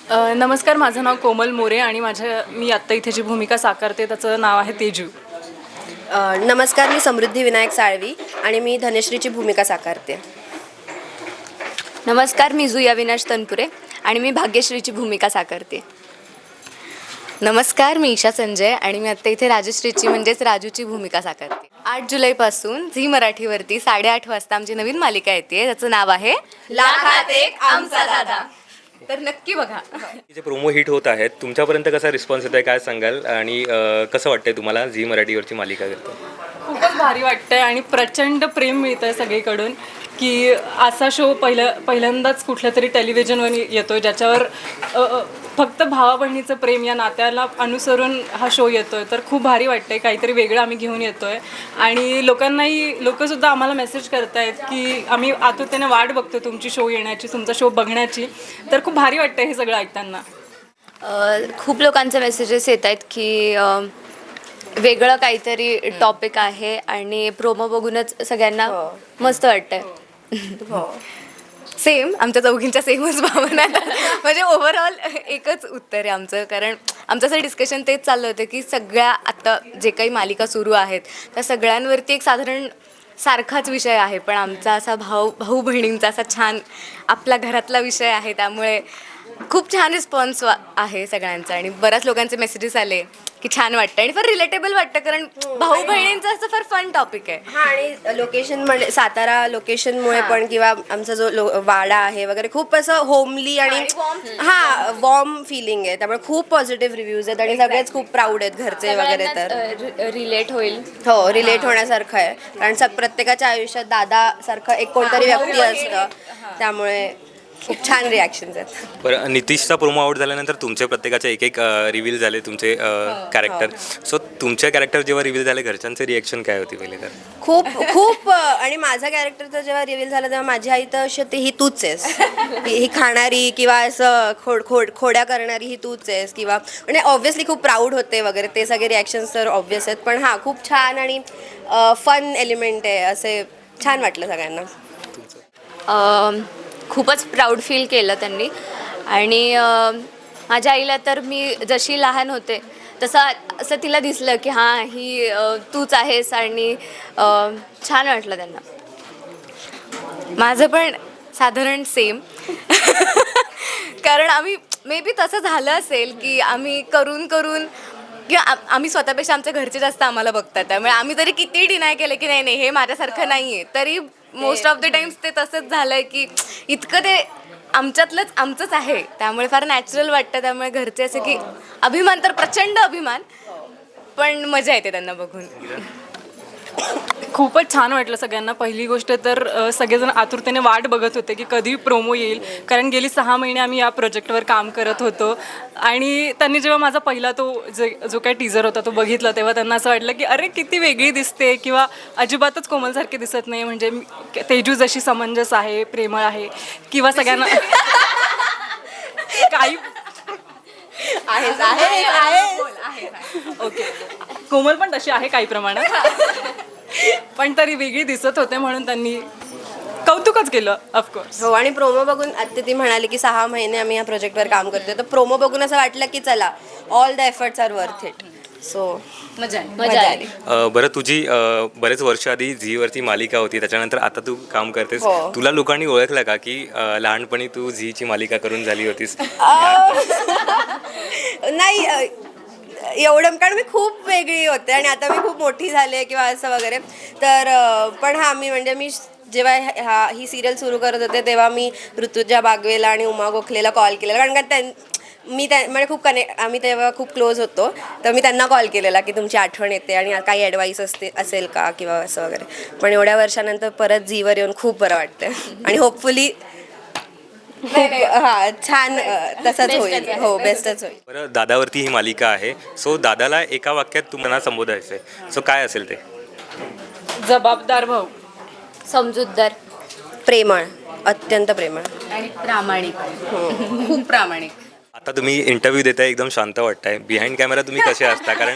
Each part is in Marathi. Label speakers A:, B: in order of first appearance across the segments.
A: नमस्कार, माझं नाव कोमल मोरे आणि मी आत्ता इथे जी भूमिका साकारते त्याचं नाव आहे तेजू.
B: नमस्कार, मी समृद्धी विनायक साळवी आणि मी धनश्रीची भूमिका साकारते.
C: नमस्कार, मी जुया अविनाश तनपुरे आणि मी भाग्यश्रीची भूमिका साकारते. नमस्कार, मी ईशा संजय आणि मी आत्ता इथे राजश्रीची म्हणजेच राजूची भूमिका साकारते. 8 जुलैपासून झी मराठीवरती 8:30 वाजता आमची नवीन मालिका येते. त्याचं नाव आहे लाखात एक आमचा दादा. तर नक्की बघा.
D: जे प्रोमो हिट होत आहेत तुमच्यापर्यंत कसा रिस्पॉन्स येत आहे काय सांगाल आणि कसं वाटतंय तुम्हाला झी मराठीवरची मालिका करतो?
A: खूपच भारी वाटतंय आणि प्रचंड प्रेम मिळतं आहे सगळीकडून की असा शो पहिल्यांदाच कुठल्या तरी टेलिव्हिजनवर येतो आहे ज्याच्यावर फक्त भावा बहिणीचं प्रेम या नात्याला अनुसरून हा शो येतो आहे. तर खूप भारी वाटतं आहे, काहीतरी वेगळं आम्ही घेऊन येतो आहे आणि लोकंसुद्धा आम्हाला मेसेज करत आहेत की आम्ही आतुरतेने वाट बघतो तुमची शो येण्याची, तुमचा शो बघण्याची. तर खूप भारी वाटतं हे सगळं ऐकताना.
C: खूप लोकांचे मेसेजेस येत आहेत की वेगळं काहीतरी टॉपिक आहे आणि प्रोमो बघूनच सगळ्यांना मस्त वाटतंय. सेम आमच्या चौघींच्या सेमच भावना म्हणजे ओव्हरऑल एकच उत्तर आहे आमचं. कारण आमचं असं डिस्कशन तेच चाललं होतं की सगळ्या आत्ता जे काही मालिका सुरू आहेत त्या सगळ्यांवरती एक साधारण सारखाच विषय आहे, पण आमचा असा भाऊ बहिणींचा असा छान आपला घरातला विषय आहे. त्यामुळे खूप छान रिस्पॉन्स आहे सगळ्यांचा आणि बऱ्याच लोकांचे मेसेजेस आले की छान वाटतं आणि फार रिलेटेबल वाटतं कारण भाऊ बहिणींचं असं फार फन टॉपिक आहे.
B: हां, आणि लोकेशन म्हणजे सातारा लोकेशनमुळे पण किंवा आमचा जो वाडा आहे वगैरे खूप असं होमली आणि वॉर्म फिलिंग आहे. त्यामुळे खूप पॉझिटिव्ह रिव्ह्यूज आहेत आणि सगळेच खूप प्राऊड आहेत घरचे वगैरे. तर
C: रिलेट होईल.
B: हो, रिलेट होण्यासारखं आहे कारण प्रत्येकाच्या आयुष्यात दादासारखं एक कोणतरी व्यक्ती असतं. त्यामुळे खूप छान रिॲक्शन्स आहेत.
D: बरं, नितीशचा प्रोमो आउट झाल्यानंतर तुमचे प्रत्येकाचे एक रिव्हील झाले तुमचे कॅरेक्टर. सो तुमचे कॅरेक्टर जेव्हा रिव्हील झाले घरच्यांचे रिॲक्शन काय होती पहिले? तर
B: खूप आणि माझा कॅरेक्टरचं जेव्हा रिव्हील झालं तेव्हा माझी आई तर अशी ही तूच आहेस, ही खाणारी किंवा असं खोड्या करणारी ही तूच आहेस किंवा म्हणजे ऑब्व्हियसली खूप प्राऊड होते वगैरे. ते सगळे रिॲक्शन्स तर ऑब्व्हियस आहेत, पण हां खूप छान आणि फन एलिमेंट आहे. असे छान वाटलं सगळ्यांना.
C: खूपच प्राऊड फील केलं त्यांनी आणि माझ्या आईला तर मी जशी लहान होते असं तिला दिसलं की हां ही तूच आहेस आणि छान वाटलं त्यांना. माझं पण साधारण सेम कारण आम्ही मे बी तसं झालं असेल की आम्ही करून किंवा आम्ही स्वतःपेक्षा आमच्या घरचे जास्त आम्हाला बघतात. त्यामुळे आम्ही जरी किती डिनाय केलं की नाही हे माझ्यासारखं नाही आहे, तरी मोस्ट ऑफ द टाइम्स ते तसंच झालं आहे की इतकं ते आमच्यातलंच आमचंच आहे. त्यामुळे फार नॅचरल वाटतं. त्यामुळे घरचे असे की अभिमान तर प्रचंड अभिमान, पण मजा येते त्यांना बघून.
A: खूपच छान वाटलं सगळ्यांना. पहिली गोष्ट तर सगळेजण आतुरतेने वाट बघत होते की कधी प्रोमो येईल, कारण गेली 6 महिने आम्ही या प्रोजेक्टवर काम करत होतो आणि त्यांनी जेव्हा माझा पहिला जो काही टीझर होता तो बघितला तेव्हा त्यांना असं वाटलं की अरे किती वेगळी दिसते किंवा अजिबातच कोमलसारखी दिसत नाही. म्हणजे तेजू जशी समंजस आहे, प्रेमळ आहे किंवा सगळ्यांना काही ओके, कोमल पण तशी आहे काही प्रमाणात, पण तरी वेगळी दिसत होते म्हणून त्यांनी कौतुकच केलं ऑफकोर्स.
B: हो, आणि प्रोमो बघून आता ती म्हणाली की 6 महिने आम्ही या प्रोजेक्टवर काम करतोय, तर प्रोमो बघून असं वाटलं की चला all the efforts are worth it. So
C: मजा आली.
D: बरं, तुझी बरेच वर्ष आधी झीवरती मालिका होती, त्याच्यानंतर आता तू काम करतेस.
B: हो.
D: तुला लोकांनी ओळखलं का की लहानपणी तू झीची मालिका करून झाली होतीस?
B: नाही एवढं, कारण मी खूप वेगळी होते आणि आता मी खूप मोठी झाले किंवा असं वगैरे. तर पण हां, मी जेव्हा ही सिरियल सुरू करत होते तेव्हा मी ऋतुजा बागवेला आणि उमा गोखलेला कॉल केलेला, कारण का म्हणजे आम्ही तेव्हा खूप क्लोज होतो. तर मी त्यांना कॉल केलेला की तुमची आठवण येते आणि काही ॲडवाईस असेल का किंवा असं वगैरे. पण एवढ्या वर्षानंतर परत झीवर येऊन खूप बरं वाटतं आणि होपफुली छान तसंच होईल. हो, बेस्टच होईल.
D: बरं, दादावरती ही मालिका आहे. सो दादाला एका वाक्यात तुम्हाला संबोधायचं आहे. सो काय असेल ते?
A: जबाबदार भाऊ,
C: समजूतदार,
B: प्रेमळ, अत्यंत प्रेमळ
C: आणि प्रामाणिक.
B: खूप प्रामाणिक.
D: आता तुम्ही इंटरव्ह्यू देताय, एकदम शांत वाटताय. बिहाइंड कॅमेरा तुम्ही कसे असता? कारण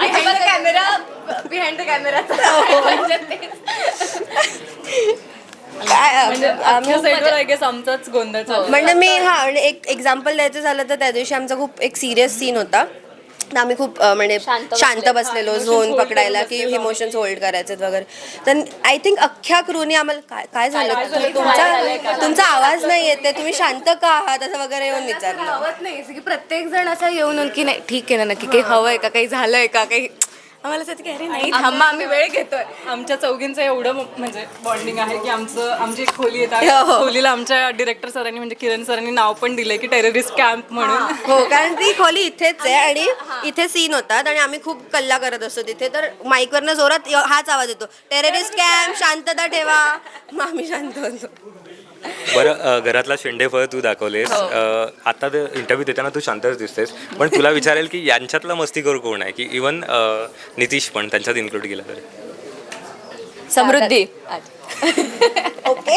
C: बिहाइंड द कॅमेरा
A: म्हणजे आमच्या सेटवर आय गेस आमचाच गोंधळ चालू.
B: म्हणजे म्हणजे एक एक्झाम्पल द्यायचं झालं तर त्या दिवशी आमचा खूप एक सिरियस सीन होता. तर आम्ही खूप म्हणजे शांत बसलेलो झोन पकडायला की इमोशन्स होल्ड करायचे वगैरे. तर आय थिंक अख्ख्या क्रूनी आम्हाला काय झालं तुमचा आवाज नाही येते, तुम्ही शांत का आहात असं वगैरे येऊन विचारलं.
C: हवत नाही की प्रत्येक जण असं येऊन की नाही ठीक आहे ना, नक्की काही हवंय का, काही झालंय का, काही आम्हाला असं की अरे नाही थांबा, आम्ही वेळ घेतोय.
A: आमच्या चौघींचं एवढं म्हणजे बॉन्डिंग आहे की आमची एक खोली येत खोलीला आमच्या डिरेक्टर सरांनी म्हणजे किरण सरांनी नाव पण दिलंय की टेररिस्ट कॅम्प म्हणून.
B: हो, कारण ती खोली इथेच आहे आणि इथे सीन होतात आणि आम्ही खूप कल्ला करत असतो तिथे. तर माईकवरनं जोरात हाच आवाज येतो, टेररिस्ट कॅम्प, शांतता ठेवा. मग आम्ही शांत होतो.
D: बरं, घरातला शेंडेफळ तू दाखवलेस. आता इंटरव्ह्यू देताना तू शांतच दिसतेस, पण तुला विचारेल की यांच्यातला मस्तीखोर कोण आहे, की इवन नितीश पण त्यांच्यात इन्क्लूड केला तर.
E: समृद्धी.
B: ओके.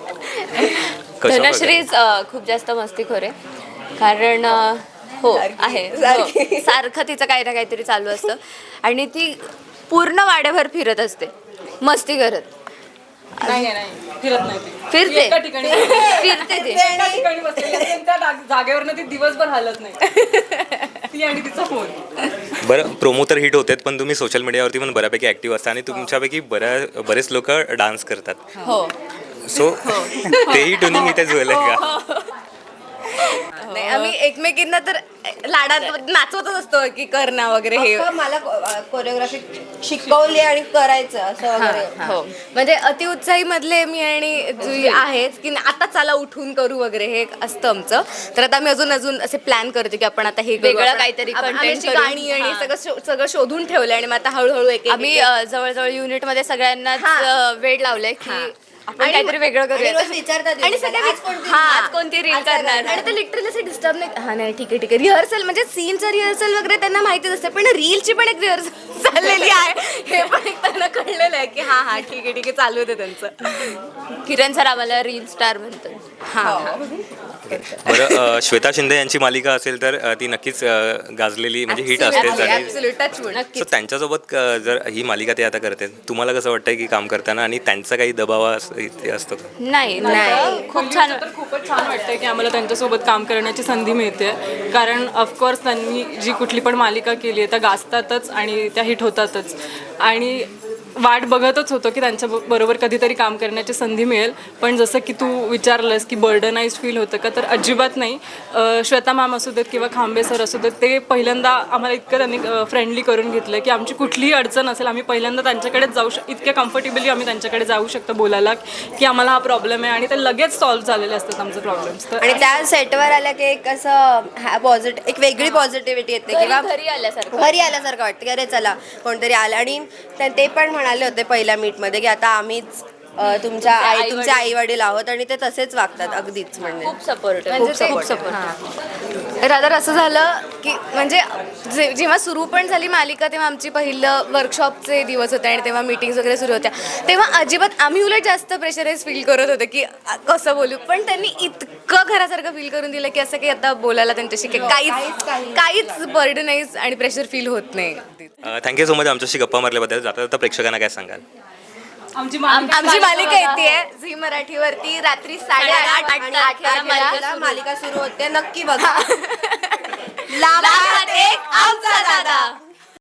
E: धनश्रीच खूप जास्त मस्तीखोर आहे, कारण हो आहे हो. सारखं तिचं काही ना काहीतरी चालू असतं आणि ती पूर्ण वाड्याभर फिरत असते मस्ती करत.
A: नाही फिरत नाही ती.
E: फिरते.
A: एका ठिकाणी
E: फिरते ती.
A: एका ठिकाणी बसलेली असते आणि त्या जागेवरनं ती दिवसभर हलत नाही. ती आणि तिचा फोन.
D: बरं, प्रोमो तर हिट होतेत, पण तुम्ही सोशल मीडियावरती पण बऱ्यापैकी ऍक्टिव्ह असता आणि तुमच्यापैकी बरेच लोक डान्स करतात.
E: हो
D: सो तेही ट्युनिंग इथे जुळलंय का?
C: नाही, आम्ही एकमेकींना तर लाडात नाचवतच असतो की कर ना वगैरे हे.
B: मला कोरिओग्राफी शिकवली आणि करायचं असं वगैरे.
C: हो, म्हणजे अतिउत्साही मधले मी आणि जुई आहेच की आता चला उठून करू वगैरे हे एक असतं आमचं. तर आता आम्ही अजून असे प्लॅन करतो की आपण आता हे करू,
E: वेगळं
C: आपण-
E: काहीतरी
C: आम्ही
E: content
C: अशी
E: करू.
C: गाणी आणि सगळं शोधून ठेवलंय आणि मग आता हळूहळू एक
E: आम्ही जवळजवळ युनिटमध्ये सगळ्यांनाच वेळ लावलंय की आपण
C: आणि
E: काहीतरी वेगळं
B: आणि
E: करूया.
B: रोज विचारतात
C: आणि
B: आज
C: सगळे
B: कोणती
E: आज कोणती रील करणार.
C: आणि ते लिटरली असं डिस्टर्ब नाही. हा नाही ठीक आहे रिहर्सल म्हणजे सीनचं रिहर्सल वगैरे त्यांना माहितीच असते, पण रीलची पण एक रिहर्सल चाललेली आहे हे पण एक त्यांना कळलेलं आहे की हा ठीक आहे चालू होतं त्यांचं.
E: किरण सर आम्हाला रील स्टार म्हणतो.
D: बरं, श्वेता शिंदे यांची मालिका असेल तर ती नक्कीच गाजलेली म्हणजे हिट असतेच. आणि
C: टचवूड.
D: सो त्यांच्यासोबत जर ही मालिका ते आता करते, तुम्हाला कसं वाटतंय की काम करताना आणि त्यांचा काही दबाव इथे असतो का?
E: नाही खूप छान.
A: तर खूपच छान वाटतंय की आम्हाला त्यांच्यासोबत काम करण्याची संधी मिळते. कारण ऑफकोर्स त्यांनी जी कुठली पण मालिका केली आहे त्या गाजतातच आणि त्या हिट होतातच. आणि वाट बघतच होतो की त्यांच्या बरोबर कधीतरी काम करण्याची संधी मिळेल. पण जसं की तू विचारलंस की बर्डनाइज फील होतं का, तर अजिबात नाही. श्वेता मॅम असू देत किंवा खांबे सर असू देत, ते पहिल्यांदा आम्हाला इतकं त्यांनी फ्रेंडली करून घेतलं की आमची कुठलीही अडचण असेल आम्ही पहिल्यांदा त्यांच्याकडेच इतक्या कम्फर्टेबली आम्ही त्यांच्याकडे जाऊ शकतो बोलायला की आम्हाला हा प्रॉब्लेम आहे आणि ते लगेच सॉल्व्ह झालेले असतात आमचे प्रॉब्लेम्स.
B: आणि त्या सेटवर आल्या की एक असं पॉझिटिव्ह एक वेगळी पॉझिटिव्हिटी येते किंवा
E: घरी आल्यासारखं.
B: घरी आल्यासारखं वाटतं की अरे चला कोणतरी आलं. आणि ते पण म्हणाले होते पहिल्या मीटमध्ये की आता आम्हीच तुमचे आई वडील आहोत आणि ते तसेच वागतात अगदीच. म्हणजे
E: खूप सपोर्ट
C: खूप सपोर्ट. रादर असं झालं की म्हणजे जेव्हा सुरू पण झाली मालिका तेव्हा आमची पहिलं वर्कशॉपचे दिवस होते आणि तेव्हा मीटिंग्स वगैरे सुरू होत्या. तेव्हा अजिबात आम्ही उलट जास्त प्रेशराईज फील करत होतो की कसं बोलू, पण त्यांनी इतकं घरासारखं फील करून दिलं की असं की आता बोलायला त्यांच्याशी काहीच बर्डनाइज आणि प्रेशर फील होत नाही.
D: थँक्यू सो मच आमच्याशी गप्पा मारल्याबद्दल. जाता जाता प्रेक्षकांना काय सांगाल?
A: आमची
C: मालिका येते झी मराठीवरती रात्री 8:30
B: मालिका सुरू होते, नक्की बघा.
C: लाभात एक आमचा दादा.